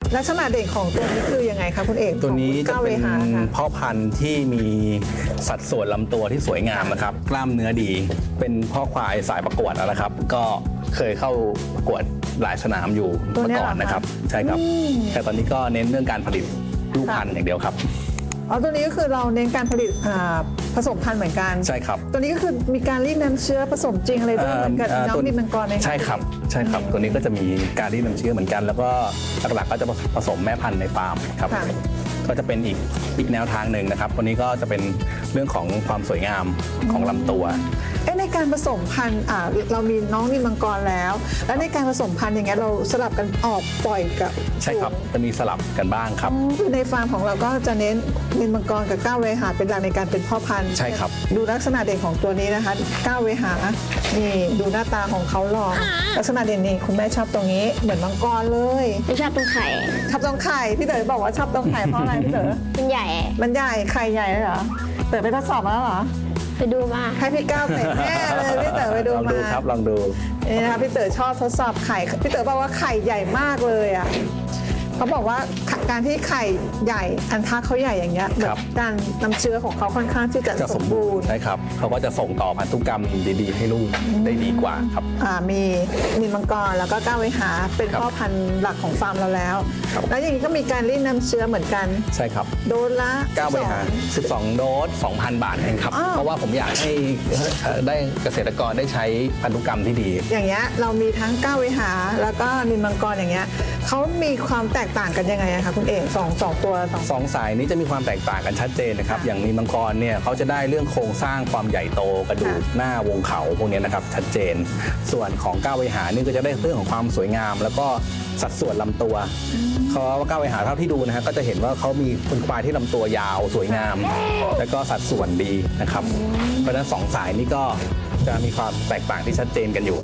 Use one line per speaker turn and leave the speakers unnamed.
ลักษณะเด่นของตัวนี้คือยังไงคะคุณเอก
ตัวนี้จะเป็น
ของคุณก้าววหาค่ะ
พ่อพันธุ์ที่มีสัดส่วนลำตัวที่สวยงามนะครับกล้ามเนื้อดีเป็นพ่อควายสายประกวดนะครับ ก็เคยเข้าประกวดหลายสนามอยู่
ตัว
เมื่
เนี้
อย ก่อนนะครับ ใช่ครับ แต่ตอนนี้ก็เน้นเรื่องการผลิตลูกพันธุ์อย่างเดียวครับ
อ๋อตัวนี้ก็คือเราเน้นการผลิตผสมพันธุ์เหมือนกัน
ใช่ครับ
ตัวนี้ก็คือมีการรีดน้ำเชื้อผสมจริงอะไรด้วยเหมือนกับน้องดินมังกรไหมคะ
ใช่ครับใช่ครับตัวนี้ก็จะมีการรีดน้ำเชื้อเหมือนกัน แล้วก็หลักๆก็จะผสมแม่พันธุ์ในฟาร์มครับ
ค่ะ
ก็จะเป็นอีกแนวทางหนึ่งนะครับตัวนี้ก็จะเป็นเรื่องของความสวยงามของลำตัว
ในการผสมพันธุ์เรามีน้องดินมังกรแล้ว แล้วในการผสมพันธุ์อย่างเงี้ยเราสลับกันออกปล่อยกับ
ใช่ครับจะมีสลับกันบ้างครับ
คือในฟาร์มของเราก็จะเน้นดินมังกรกับก้าวเวหาเป็นหลักในการเป็นพ่อพันธุ์
ใช่ครับ
ดูลักษณะเด่นของตัวนี้นะคะก้าวเวหานี่ดูหน้าตาของเขาหล่อลักษณะเด่นนี่คุณแม่ชอบตรงนี้เหมือนมังกรเลย
ไม่ชอบตรงไข่
ชอบตรงไข่พี่เต๋อบอกว่าชอบตรงไข่เพราะอะไรพี่เต๋อ
มันใหญ่
มันใหญ่ไข่ใหญ่เลยเหรอเต๋อไปทดสอบมาแล้วเหรอ
ไปดูมา
ให้พี่ก้าวเตะแน่เลยพี่เต๋อไปดู
ลอง
มา
ดูครับลองดู
นี่นะคะพี่เต๋อชอบทดสอบไข่พี่เต๋อบอกว่าไข่ใหญ่มากเลยอ่ะเขาบอกว่าการที่ไข่ใหญ่อันทะเขาใหญ่อย่างเงี้ยเหมือนการนำเชื้อของเขาค่อนข้างที่จะ
จะ
ส
ส
ม
ม
บู
บู
ร
ร
ณ์
ณ์ใช่ครับเขาก็จะส่งต่อพันธุกรรมดีๆ ให้ลูกได้ดีกว่าครับ
มีนินมังกรแล้วก็ก้าวไวหาเป็น
ครับ
พ่อพันธุ์หลักของฟาร์มเราแล้ว
ครับ
แล้วอย่างนี้ก็มีการรีดน้ำเชื้อเหมือนกัน
ใช่ครับ
โดสละ
9 บริหาร 12 โดส 2,000 บาทเองครับ
อ้าว
เพราะว่าผมอยากให้ได้เกษตรกรได้ใช้พันธุกรรมที่ดี
อย่างเงี้ยเรามีทั้งก้าวไวหาแล้วก็นินมังกรอย่างเงี้ยเขามีความแตกต่างกันยังไงอะคะคุณเอกสองตัวสอง
2 สายนี้จะมีความแตกต่างกันชัดเจนนะครับ
ค่ะ
อย่างมีมังกรเนี่ยเขาจะได้เรื่องโครงสร้างความใหญ่โตกระดูก
ค่ะ
หน้าวงเขาพวกเนี้ยนะครับชัดเจน ส่วนของก้าวไวหานี่ก็จะได้เรื่องของความสวยงาม แล้วก็สัดส่วนลำตัวเขาว่าก้าวไวหาเท่าที่ดูนะฮะก็จะเห็นว่าเขามีเป็นควายที่ลำตัวยาวสวยงาม แล้วก็สัดส่วนดีนะครับเพราะฉะนั้น2 สายนี้ก็จะมีความแตกต่างที่ชัดเจนกันอยู่